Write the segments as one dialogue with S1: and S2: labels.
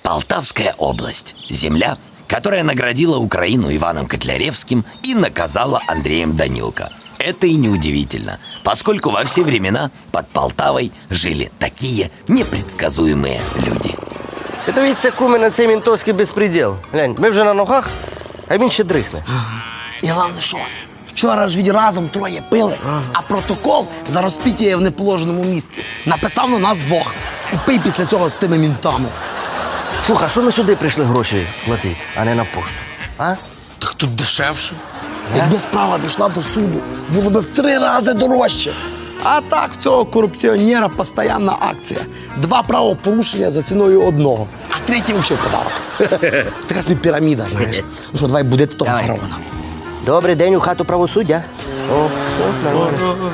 S1: Полтавская область. Земля, которая наградила Украину Иваном Котляревским и наказала Андреем Данилко. Это и неудивительно, поскольку во все времена под Полтавой жили такие непредсказуемые люди.
S2: Подивіться, куме, на цей ментовський безпреділ. Глянь, ми вже на ногах, а він ще дрихне.
S3: І головне що? Вчора ж разом троє пили, а протокол за розпиття в неположеному місці написав на нас двох. І пий після цього з тими мінтами.
S2: Слухай, а що ми сюди прийшли гроші платити, а не на пошту? А?
S3: Так тут дешевше. Якби справа дійшла до суду, було б в 3 рази дорожче. А так, в цього корупціонера постійна акція. 2 правопорушення за ціною 1. А 3-й взагалі подарок. Така собі піраміда, знаєш. Ну що, давай будете того
S2: Давай.
S3: фараона.
S2: Добрий день у хату правосуддя. О, нормально.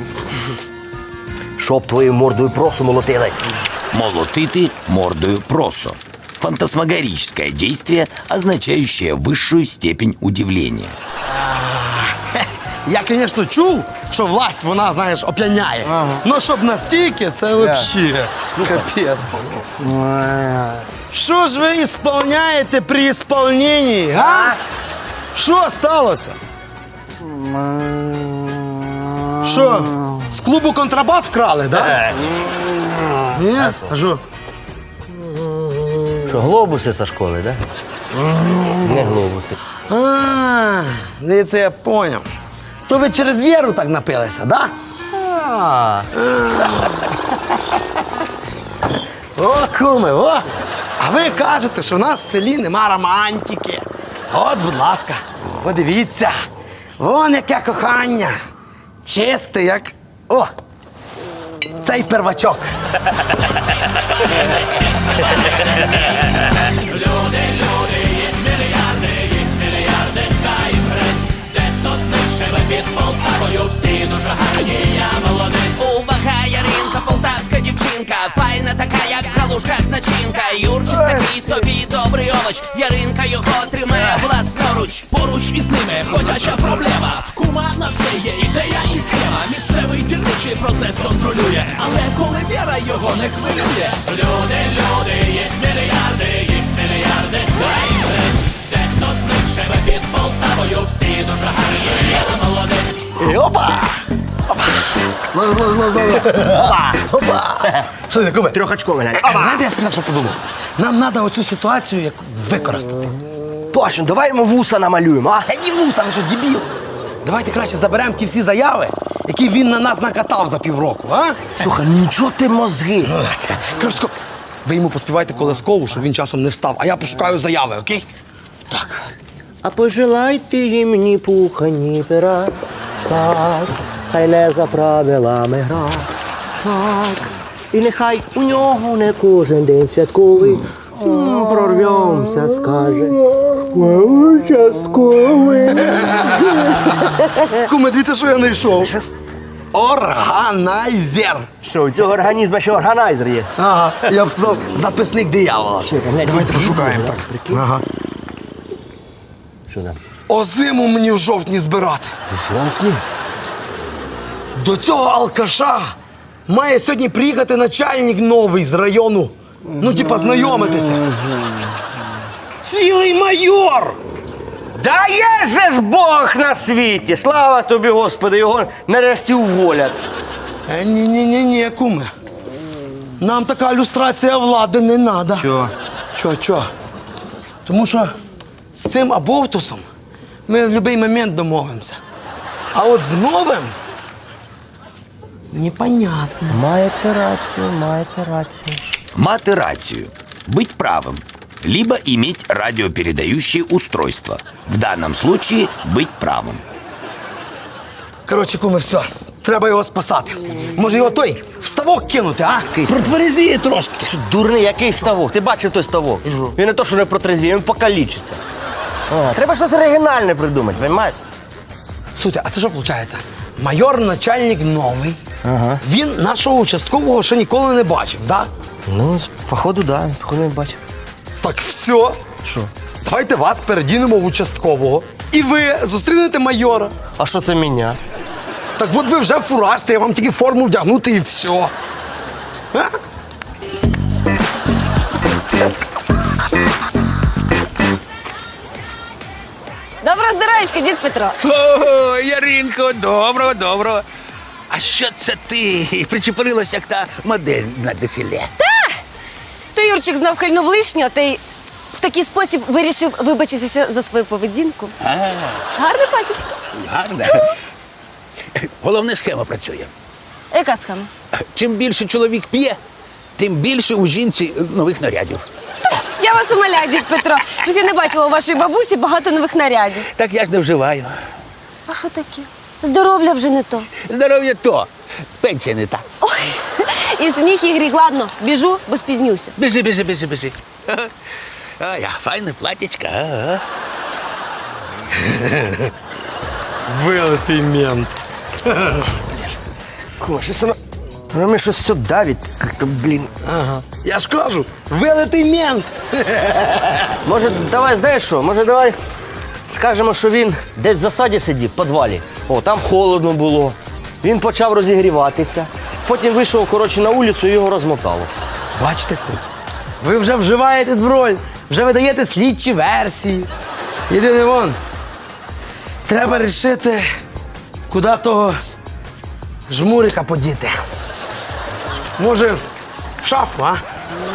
S2: Щоб твоєю мордою просу молотили.
S1: Молотыты мордою просо. Фантасмагорическое действие, означающее высшую степень удивления.
S3: Я, звісно, чув, що власть, вона, знаєш, оп'яняє. Ну, щоб настільки, це взагалі капець. Що ж ви ісполняєте при ісполненні, а? Що сталося? Що, з клубу контрабас вкрали, да? Ні? А що?
S2: Що, глобуси зі школи, да? Не глобуси.
S3: Дивіться, я поняв. То ви через віру так напилися, да? О, куме, о! А ви кажете, що в нас в селі нема романтики. От, будь ласка, подивіться. Вон яке кохання. Чисте, як... О! Цей первачок.
S4: Увага, Яринка, полтавська дівчинка, файна така, як в калушках начинка. Юрчик такий собі добрий овоч, Яринка його тримає власноруч. Поруч із ними ходяча проблема. В кума на все є ідея і схема. Місцевий дільничий процес контролює, але коли віра його не хвилює. Люди, їх мільярди, дехто з них живе під Полтавою, всі дуже гарні, я молодець.
S3: І опа! Опа! Слухай, куме,
S2: Трьохочковий, глянь.
S3: знаєте, я собі так що подумав? Нам треба оцю ситуацію як використати.
S2: Точно, давай йому вуса намалюємо, а?
S3: Ні вуса, ви що, дебіл? Давайте краще заберемо ті всі заяви, які він на нас накатав за півроку, а?
S2: Слухай, нічого ти мозги.
S3: Коротше, ви йому поспівайте колискову, щоб він часом не встав, а я пошукаю заяви, окей? Так.
S2: А пожелайте їм ні пуха, ні пера. Так, хай не за правилами гра. Так, і нехай у нього не кожен день святковий. Прорвемося, скаже. Участковий.
S3: Куме, дивіться, що я знайшов. Органайзер.
S2: Що, у цього організму ще органайзер є?
S3: Ага, я б сказав, записник диявола.
S2: Що там, глянь,
S3: Давайте
S2: прикинь,
S3: пошукаємо,
S2: да,
S3: так.
S2: прикинь.
S3: Ага.
S2: Що там?
S3: Озиму мені в жовтні збирати.
S2: Жовтні?
S3: До цього алкаша має сьогодні приїхати начальник новий з району. Ну, типа, знайомитися. Цілий майор!
S2: Да є же ж Бог на світі! Слава тобі, Господи, його нарешті уволять.
S3: Ні, куме. Нам така люстрація влади не треба. Чо? Тому що з цим абовтусом ми в будь-який момент домовимося. А от з новим непонятно.
S2: Маєте рацію.
S1: Мати рацию. Быть правым. Либо иметь радиопередающее устройство. В данном случае быть правым.
S3: Коротше, куме, все. Треба його спасати. Може його той в ставок кинути, а? Протверезіє трошки.
S2: Що, дурний, який ставок? Ти бачив той ставок? Він не то, що не протрезвіє, він покалічиться. Треба щось оригінальне придумати, розумієш?
S3: Слухайте, а це що виходить? Майор начальник новий. Він нашого участкового ще ніколи не бачив, да?
S2: Ну, походу, да, походу не бачив.
S3: Так все.
S2: Що?
S3: Давайте вас передінемо в участкового. І ви зустрінете майора.
S2: А що це мене?
S3: Так от ви вже в фуражці, я вам тільки форму вдягнути і все. А?
S5: Здоровечка, дід Петро.
S6: О, Яринко, доброго. А що це ти причепурилась, як та модель на дефіле?
S5: То Юрчик знов хильнув лишнього, та й в такий спосіб вирішив вибачитися за свою поведінку. Гарне платічко.
S6: Гарно. Головне, схема працює.
S5: Яка схема?
S6: Чим більше чоловік п'є, тим більше у жінці нових нарядів.
S5: Я вас умоляю, дід Петро. Щось я не бачила у вашої бабусі багато нових нарядів.
S6: Так я ж не вживаю.
S5: А що таке? Здоров'я вже не то.
S6: Здоров'я то, пенсія не та.
S5: Ой, і сміх, і гріх. Ладно, біжу, бо спізнюся.
S6: Біжи. А, я файне платічка. Ага.
S3: Вилитий мент.
S2: Кума, щось воно мені щось все давить. Як-то, блін.
S3: Ага. Я ж кажу, вилитий мент.
S2: Може, давай, знаєш що? Може, давай скажемо, що він десь в засаді сидів, в підвалі. О, там холодно було. Він почав розігріватися. Потім вийшов, коротше, на вулицю і його розмотало.
S3: Бачите, ви вже вживаєтесь в роль, вже видаєте слідчі версії. Єдине вон, треба рішити, куди того жмурика подіти. Може, в шафу, а?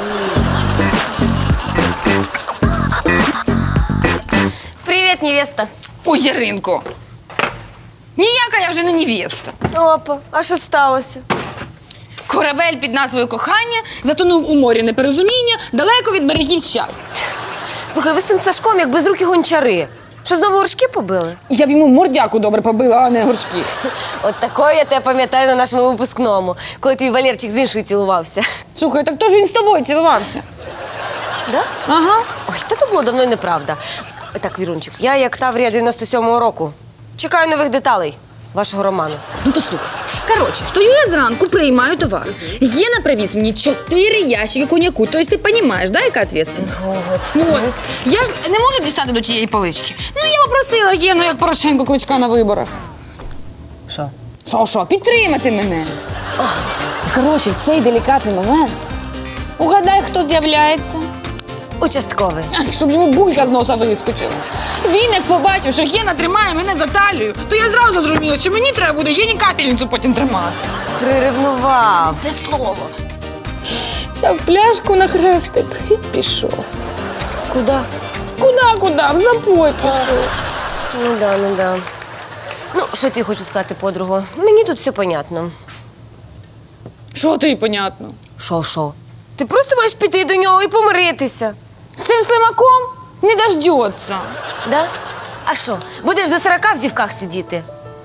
S5: Привіт, невеста.
S7: Ой, Яринко, ніяка я вже не невеста.
S5: Опа, а що сталося?
S7: Корабель під назвою «Кохання» затонув у морі непорозуміння далеко від берегів щастя.
S5: Слухай, ви з тим Сашком, як безрукі гончари. Що, знову горшки побили?
S7: Я б йому мордяку добре побила, а не горшки.
S5: От такої я тебе пам'ятаю на нашому випускному, коли твій Валерчик з іншою цілувався.
S7: Слухай, так то ж він з тобою цілувався.
S5: Да?
S7: Ага.
S5: Ой, та то було давно й неправда. Так, Вірунчик, я як Таврія 97-го року. Чекаю нових деталей вашого роману.
S7: Ну то слухай. Коротше, стою я зранку, приймаю товар. Єна привіз мені 4 ящики коньяку. Тобто ти розумієш, да, яка відповідальність? От. Я ж не можу дістати до тієї полички. Ну, я попросила Єну, як Порошенко, Кличка на виборах.
S5: Що?
S7: Що, підтримати мене. І, коротше, в цей делікатний момент угадай, хто з'являється.
S5: Участковий.
S7: Ай, щоб йому булька з носа вискочила. Він, як побачив, що Єна тримає мене за талію, то я зразу зрозуміла, що мені треба буде Єні капельницю потім тримати.
S5: Приревнував.
S7: Це слово. Взяв пляшку на хрестик і пішов.
S5: Куди?
S7: Куди? В запой пішов.
S5: Ну да. Ну, що ти хочу сказати, подруго? Мені тут все понятно.
S7: Що тобі понятно?
S5: Що? Ти просто маєш піти до нього і помиритися.
S7: З цим слимаком не дождеться.
S5: Да? А що, будеш до 40 в дівках сидіти?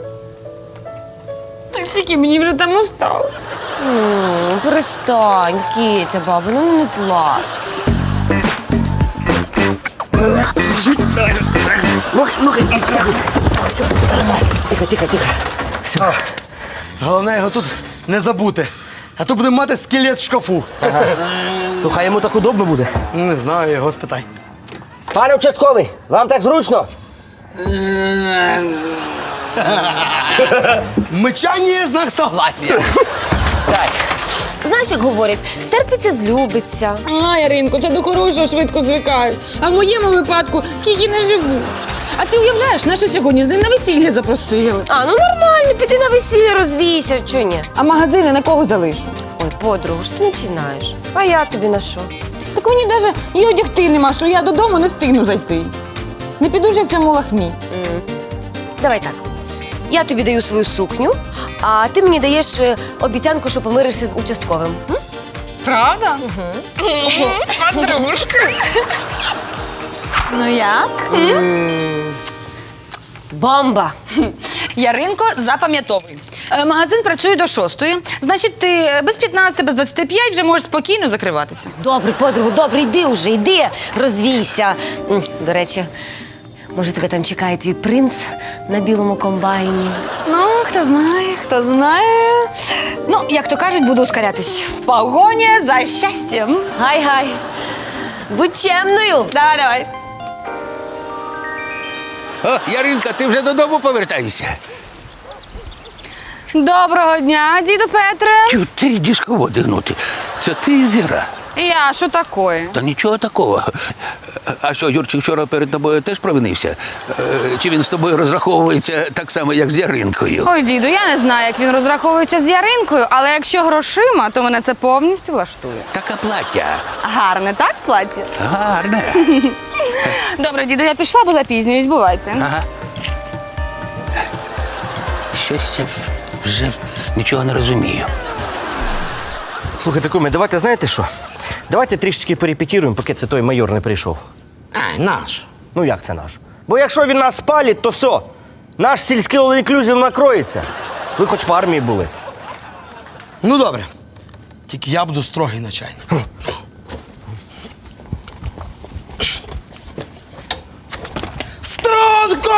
S7: Так скільки мені вже там осталось.
S5: Перестань, Кітя, баба, ну не плач.
S2: Тихо. Все.
S3: Головне його тут не забути. А то будемо мати скелет в шкафу.
S2: То хай йому так удобно буде.
S3: Не знаю, його спитай.
S2: Пане участковий, вам так зручно?
S3: Мичання – знак согласия.
S2: Так.
S5: Знаєш, як говорять, стерпиться, злюбиться.
S7: А, Яринко, це до хорошого швидко звикають. А в моєму випадку скільки не живу. А ти уявляєш, нас сьогодні з ним на весілля запросили.
S5: А, ну нормально, піти на весілля, розвійся, чого ні?
S7: А магазини на кого залишу?
S5: Ой, подругу, ж ти починаєш. А я тобі на що?
S7: Так мені навіть і одягти нема, що я додому не встигну зайти. Не піду ж я в цьому лахмі.
S5: Давай так. Я тобі даю свою сукню, а ти мені даєш обіцянку, що помиришся з участковим. М?
S7: Правда? Подружка. Ну як?
S5: Бомба!
S7: Яринко, запам'ятовуй. Магазин працює до 6-ї. Значить, ти без 15, без 25 вже можеш спокійно закриватися.
S5: Добре, подругу, добре, йди, розвійся. До речі, може, тебе там чекає твій принц на білому комбайні.
S7: Ну, хто знає. Ну, як то кажуть, буду ускорятись. В погоні за щастям.
S5: Гай-гай. Будь чемною.
S7: Давай.
S6: О, Яринка, ти вже додому повертаєшся?
S7: Доброго дня, діду Петре.
S6: Чу, ти дисководи гнути. Це ти, Віра?
S7: Я, що такое?
S6: Та нічого такого. А що, Юрчик вчора перед тобою теж провинився? Чи він з тобою розраховується так само, як з Яринкою?
S7: Ой, діду, я не знаю, як він розраховується з Яринкою, але якщо грошима, то мене це повністю влаштує.
S6: Така плаття.
S7: Гарне, так, плаття?
S6: Гарне.
S7: Добре, діду, я пішла, бо запізнююсь, бувайте.
S6: Ага. Щось я вже нічого не розумію.
S2: Слухайте, куме, давайте знаєте що? Давайте трішечки перепетіруємо, поки це той майор не прийшов.
S3: Ай, наш.
S2: Ну як це наш? Бо якщо він нас спалить, то все. Наш сільський all-inclusive накроється. Ви хоч в армії були.
S3: Ну добре. Тільки я буду строгий начальник. Струнко!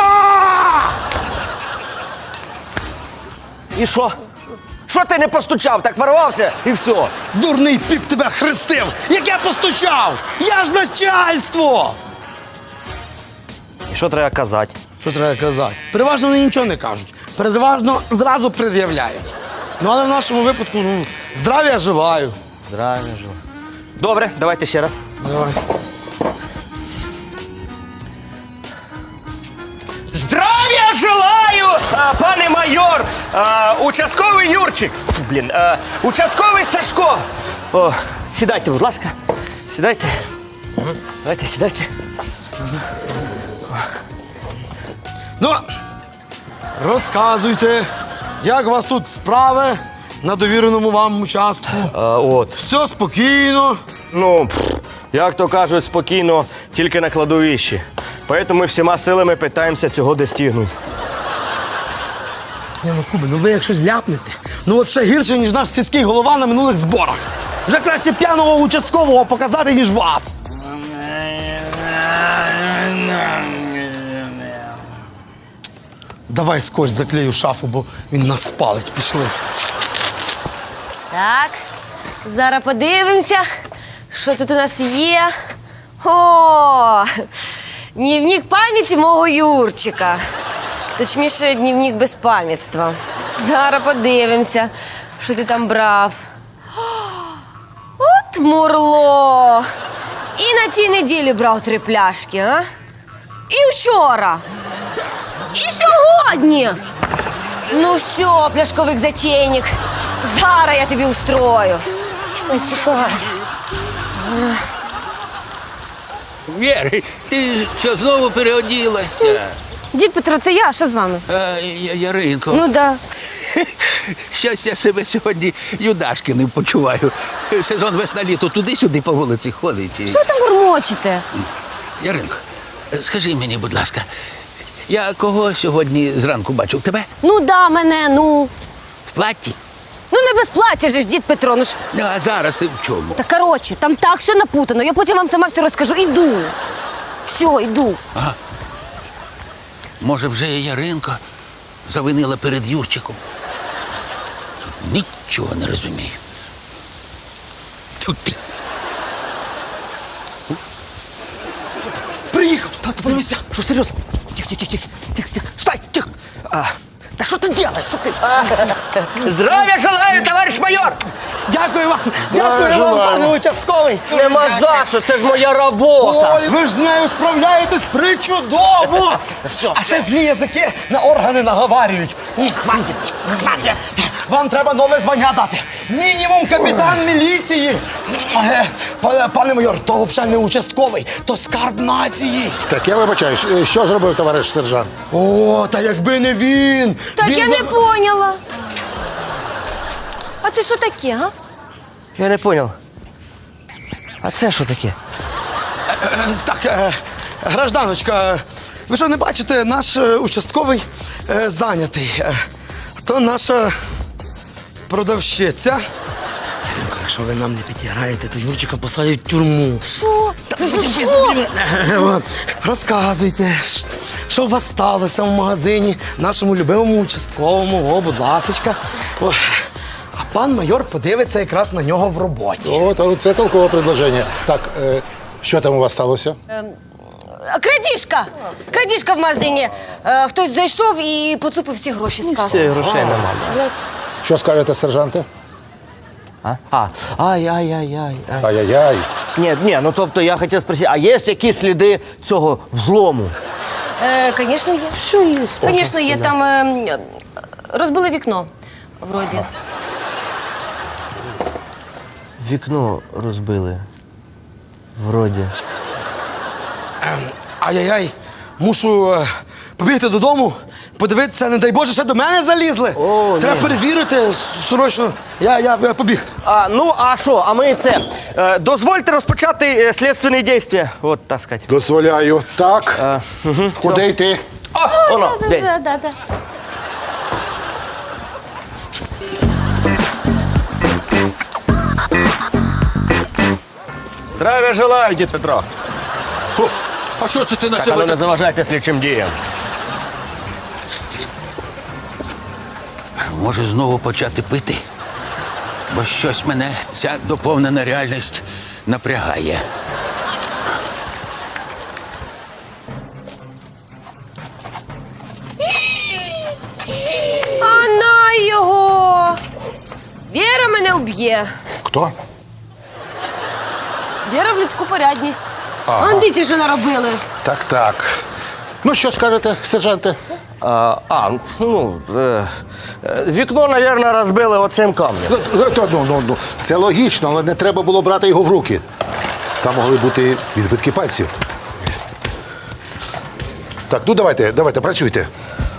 S2: І що? Що ти не постучав, так ворвався і все.
S3: Дурний піп тебе хрестив! Як я постучав! Я ж начальство!
S2: І що треба казати?
S3: Що треба казати? Переважно вони нічого не кажуть. Переважно зразу пред'являють. Ну, але в нашому випадку, ну, здравия желаю.
S2: Здравия жив. Добре, давайте ще раз.
S3: Давай.
S2: Здравия желаю, пане майор! Участковий Юрчик. Фу, блін, участковий Сашко. О, сідайте, будь ласка. Сідайте. Давайте, сідайте.
S3: Ну, розказуйте, як у вас тут справи на довіреному вам участку.
S2: От.
S3: Все спокійно.
S2: Ну, як то кажуть, спокійно, тільки на кладовищі. Поэтому ми всіма силами питаємося цього достигнути.
S3: Ні, ну, Кубе, ну ви якщо зляпнете, ну от ще гірше, ніж наш сільський голова на минулих зборах. Вже краще п'яного участкового показати, ніж вас. Давай скотч заклею шафу, бо він нас спалить. Пішли.
S5: Так, зараз подивимося, що тут у нас є. О, дневник пам'яті мого Юрчика. Точніше, дневник безпам'ятства. Зараз подивимося, що ти там брав. От мурло. І на тій неділі брав 3 пляшки, а? І вчора. І сьогодні. Ну все, пляшковик затейник. Зараз я тобі устрою. Чекай, чекай.
S6: Вєр, ти що, знову переоділася?
S5: Дід Петро, це я, що з вами?
S6: Яринко,
S5: Ну да.
S6: щось я себе сьогодні Юдашкиним почуваю. Сезон весна-літо туди-сюди по вулиці ходить.
S5: Що ви там бурмочете?
S6: Яринко, скажи мені, будь ласка, я кого сьогодні зранку бачив? Тебе?
S5: Ну да, мене, ну.
S6: В платті?
S5: Ну не без плаття же ж, дід Петро, ну ж.
S6: Ну, а зараз ти в чому?
S5: Та коротше, там так все напутано. Я потім вам сама все розкажу. Іду. Все, йду.
S6: Може, вже і Яринко завинила перед Юрчиком? Нічого не розумію. Тьфу ти.
S3: Приїхав! Тато, подивися!
S2: Що, серйозно? Тихо, тихо, тихо, тихо, тихо. Стой, тихо. Та що ти робиш? Що ти? Здравия желаю, товариш майор!
S3: Дякую вам! Дякую вам, пане участковий!
S2: Нема за що, це ж моя робота.
S3: Ой, ви ж з нею справляєтесь причудово! А ще злі язики на органи наговарюють. Хватить! Вам треба нове звання дати. Мінімум капітан міліції. Пане майор, то взагалі не участковий, то скарб нації.
S8: Так, я вибачаюсь, що зробив товариш сержант?
S3: О, та якби не він.
S5: Так
S3: Він
S5: я не поняла. А це що таке, га?
S2: Я не понял. А це що таке?
S3: Так, гражданочка, ви що не бачите, наш участковий зайнятий. То наша продавщиця. Яринко, якщо ви нам не підіграєте, то Юрчика посадять в тюрму.
S5: Що?
S3: Розказуйте, що у вас сталося в магазині, нашому любимому участковому, о, будь ласочка. О, а пан майор подивиться якраз на нього в роботі.
S8: От це толкове предложення. Так, що там у вас сталося?
S5: Крадіжка! Крадіжка в магазині. Хтось зайшов і поцупив всі гроші з каси.
S2: Грошей нема.
S5: Блядь.
S8: Що скажете, сержанте?
S2: Ай-яй-яй-яй.
S8: Ай-яй-яй.
S2: Ні, ну тобто я хотів спросити, а є якісь сліди цього взлому?
S5: Звісно, є.
S2: Все є.
S5: Звісно, є. Там розбили вікно, вроді.
S2: Вікно розбили. Вроді.
S3: Ай-яй-яй, мушу побігти додому, подивитися, не дай Боже, ще до мене залізли.
S2: О,
S3: Треба
S2: ні.
S3: перевірити срочно. Я побіг.
S2: Ну, а що, а ми це. Дозвольте розпочати слідственні дії. От, так сказати.
S8: Дозволяю. Так. Куди йти?
S2: Воно, день.
S5: Да.
S2: Здравия желаю, дід Петро.
S6: А що це ти на
S2: Так, а
S6: себе?
S2: ну не заважайте слідчим діям.
S6: Може знову почати пити? Бо щось мене ця доповнена реальність напрягає.
S5: А на його! Віра мене вб'є.
S8: Хто?
S5: Віра в людську порядність. Андиці що наробили.
S8: Так. Ну, що скажете, сержанте?
S2: Вікно, мабуть, розбили оцим камнем.
S8: Ну, це логічно, але не треба було брати його в руки. Там могли бути відбитки пальців. Так, ну давайте, працюйте.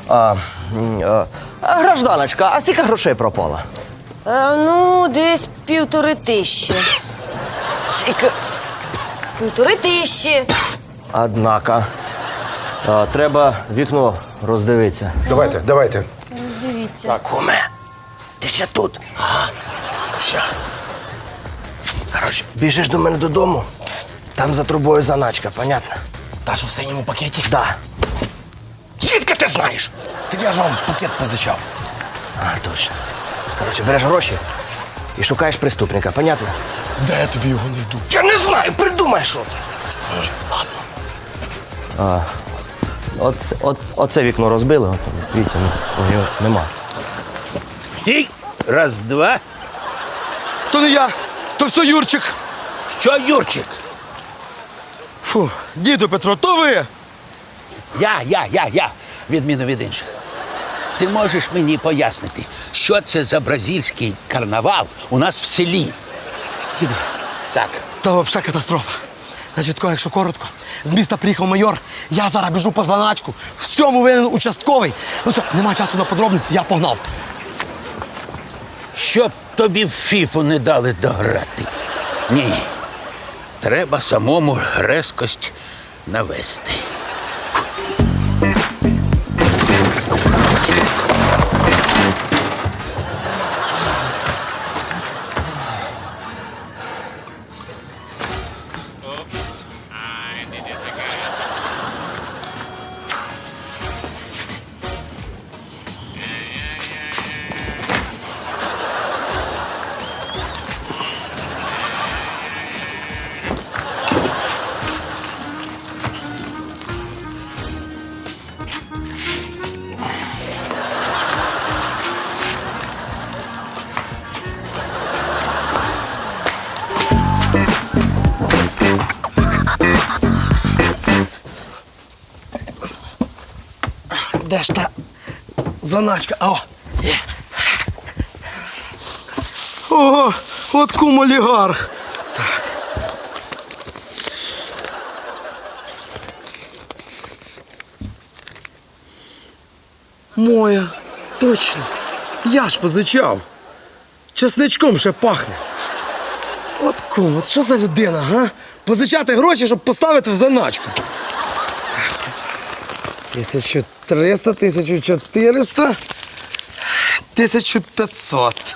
S2: Гражданочка, а скільки грошей пропало?
S5: Ну, десь 1500.
S2: Скільки?
S5: 1500.
S2: Однако. Треба вікно роздивитися.
S8: Давайте.
S5: Дивіться.
S2: Куме, ти ще тут? Що? Коротше, біжиш до мене додому, там за трубою заначка, понятно?
S3: Та що в синьому пакеті?
S2: Да. Звідки ти знаєш?
S3: Так я ж вам пакет позичав.
S2: Точно. Коротше, береш гроші і шукаєш преступника, понятно?
S3: Де я тобі його не йду?
S2: Я не знаю, придумай що. Оце вікно розбили, Вітя, його нема.
S6: Стій! Раз, два.
S3: То не я, то все Юрчик.
S6: Що, Юрчик?
S3: Фу, діду Петро, то ви?
S6: Я. Відміну від інших. Ти можеш мені пояснити, що це за бразильський карнавал у нас в селі?
S3: Діду,
S6: Так.
S3: то взагалі катастрофа. Значить, тако, якщо коротко, з міста приїхав майор, я зараз біжу по заначку, в цьому винен участковий. Ну все, нема часу на подробниці, я погнав.
S6: Щоб тобі в фіфу не дали дограти. Ні. Треба самому резкость навести.
S3: Де ж та заначка? О, є. Ого, от кум олігарх. Так. Моя, точно. Я ж позичав. Часничком ще пахне. От кум, от що за людина, га? Позичати гроші, щоб поставити в заначку. 1300, 1400, 1500.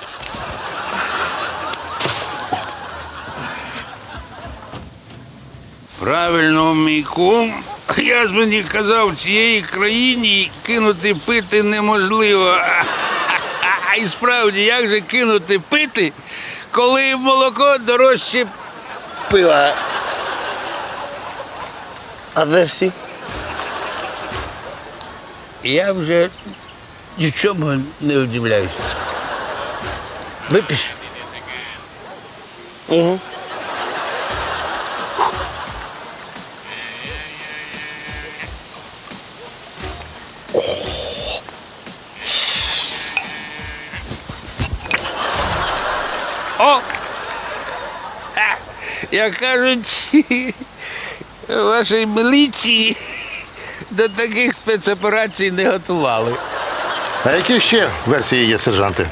S6: Правильно, мій кум. Я ж мені казав, в цієї країні кинути пити неможливо. А і справді, як же кинути пити, коли молоко дорожче пива?
S3: А де всі?
S6: Я вже нічому не удивляюся. Випиш? О! Як кажуть, вашій міліції до таких спецоперацій не готували.
S8: А які ще версії є, сержанте?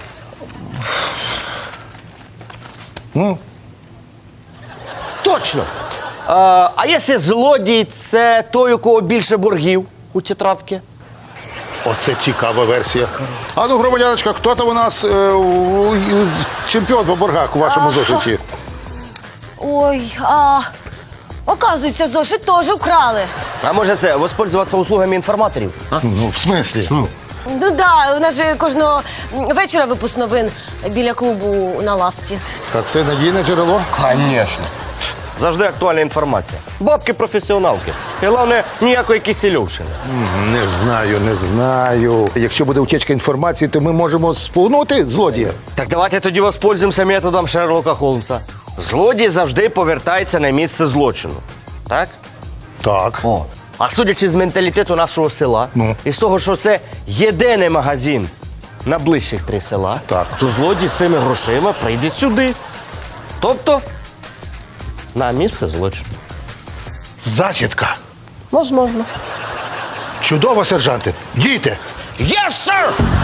S2: Точно. А якщо злодій це той, у кого більше боргів у тетрадці?
S8: Оце цікава версія. А ну, громадяночка, хто там у нас чемпіон по боргах у вашому зошиті?
S5: Ой, оказується, зошит теж вкрали.
S2: А може це воспользуватися услугами інформаторів?
S8: Ну, в смислі?
S5: Ну да, у нас же кожного вечора випуск новин біля клубу на лавці.
S8: А це надійне джерело?
S2: Звісно. Завжди актуальна інформація. Бабки-професіоналки. І головне, ніякої кисельовщини.
S8: Не знаю. Якщо буде утечка інформації, то ми можемо спугнути злодія.
S2: Так давайте тоді воспользуємося методом Шерлока Холмса. Злодій завжди повертається на місце злочину. Так?
S8: Так.
S2: О. А судячи з менталітету нашого села, і з того, що це єдиний магазин на ближчих 3 села,
S8: Так.
S2: то злодій з цими грошима прийде сюди. Тобто на місце злочину.
S8: Засідка.
S2: Можливо.
S8: Чудово, сержанте. Дійте.
S2: Yes, sir!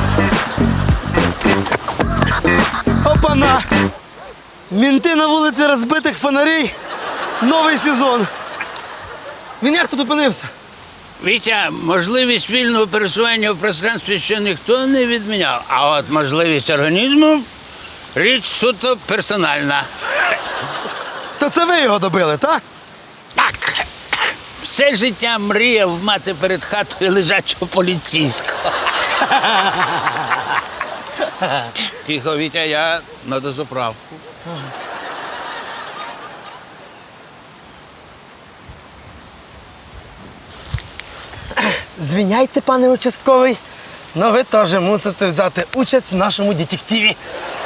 S3: Опана! Мінти на вулиці розбитих фонарей. Новий сезон. Він як тут опинився?
S6: Вітя, можливість вільного пересування в пространстві ще ніхто не відміняв. А от можливість організму – річ суто персональна.
S3: То це ви його добили, так?
S6: Так, все життя мріяв мати перед хатою лежачого поліцейського. Тихо, Вітя, я на дозаправку.
S3: Звиняйте, пане участковий, але ви теж мусите взяти участь в нашому детективі.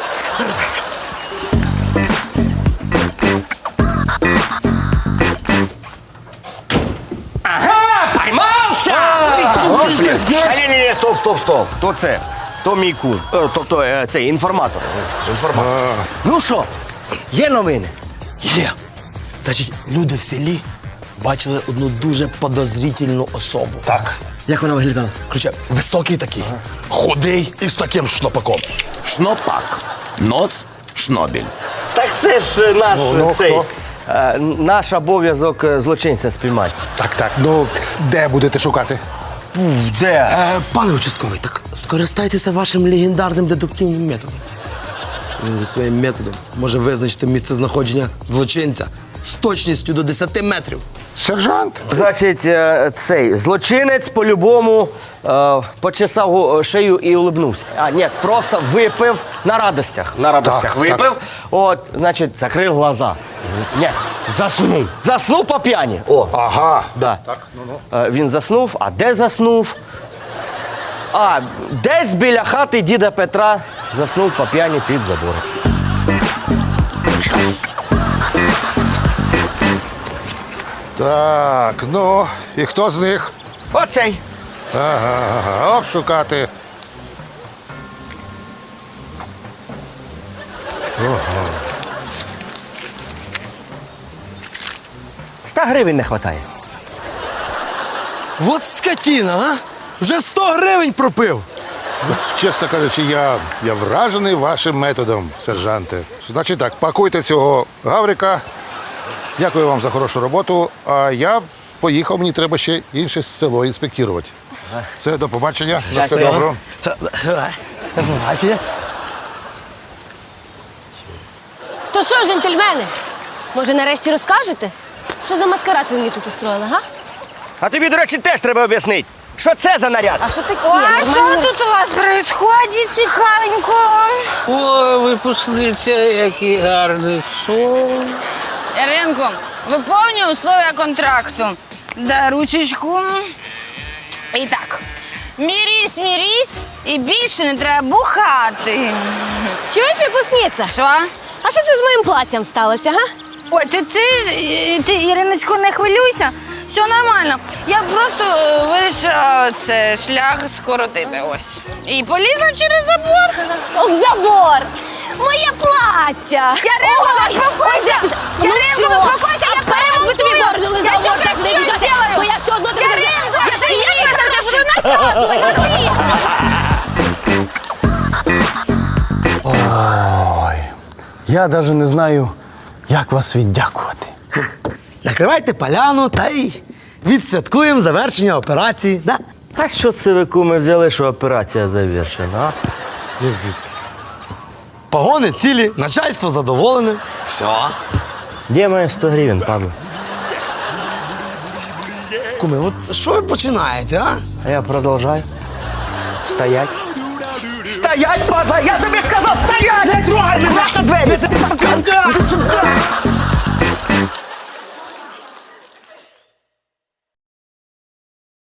S2: Ні, стоп. То це. То мій кун. Тобто цей інформатор. Ну що, є новини?
S3: Є. Значить, люди в селі бачили одну дуже подозрительну особу.
S8: Так.
S3: Як вона виглядала? Короче, високий такий, худий і з таким шнопаком.
S1: Шнопак. Нос – шнобель.
S2: Так це ж наш
S8: Ну,
S2: цей.
S8: хто?
S2: Наш обов'язок злочинця спіймати.
S8: Так. Ну, де будете шукати?
S2: Де?
S3: Пане участковий, так скористайтеся вашим легендарним дедуктивним методом. Він зі своїм методом може визначити місце знаходження злочинця з точністю до 10 метрів.
S8: Сержант?
S2: Значить, цей злочинець по-любому почесав шию і улибнувся. А, ні, просто випив на радостях.
S8: Так,
S2: випив.
S8: так.
S2: От, значить, закрив глаза. Ні, заснув. Заснув по п'яні. О.
S8: Ага.
S2: Да. Він заснув, а де заснув? А, десь біля хати діда Петра заснув по п'яні під забором.
S8: Так, ну, і хто з них?
S2: Оцей.
S8: Ага, обшукати.
S2: 100 гривень не вистачає.
S3: Вот скотина, а? Вже 100 гривень пропив.
S8: Чесно кажучи, я вражений вашим методом, сержанте. Значить так, пакуйте цього гаврика. Дякую вам за хорошу роботу. А я поїхав, мені треба ще інше село інспектувати. Все, до побачення. За все добре.
S3: До побачення.
S5: То що, джентльмени, може нарешті розкажете? Що за маскарад ви мені тут устроїли, га?
S2: А тобі, до речі, теж треба об'яснити. Що це за наряд?
S5: А що таке?
S7: А що тут у вас происходит, цікавенько?
S6: О, випускниця, який гарний сон.
S7: Яринко, виповнюй условия контракту. Дай ручечку. І так, мірісь, і більше не треба бухати.
S5: Чуєш, випускниця?
S7: Що?
S5: А що це з моїм платтям сталося, га?
S7: Ой, ти, Іриночко, не хвилюйся. Все нормально. Я просто вирішила це шлях скоротити ось. І полізла через забор.
S5: Об забор! Моє плаття!
S7: Яринко, заспокойся! Яринко, заспокойся, я
S5: Перед би тобі бороду лизав,
S7: Я
S5: можеш
S7: щось
S5: не біжати,
S7: зроблю.
S5: бо я все одно тобі даже...
S7: Яринко,
S5: Я буду наказувати!
S2: Я навіть не знаю, як вас віддякувати.
S3: Накривайте поляну та й відсвяткуємо завершення операції. Да?
S2: А що це ви, куми, взяли, що операція завершена, а?
S3: Як звідки? Погони цілі, начальство задоволене. Все.
S2: Де має 100 гривень, падло?
S3: Куми, от що ви починаєте, а?
S2: А я продовжаю. Стоять. Стоять, падла! Я тобі сказав, стоять! Не трогай мене! Двері!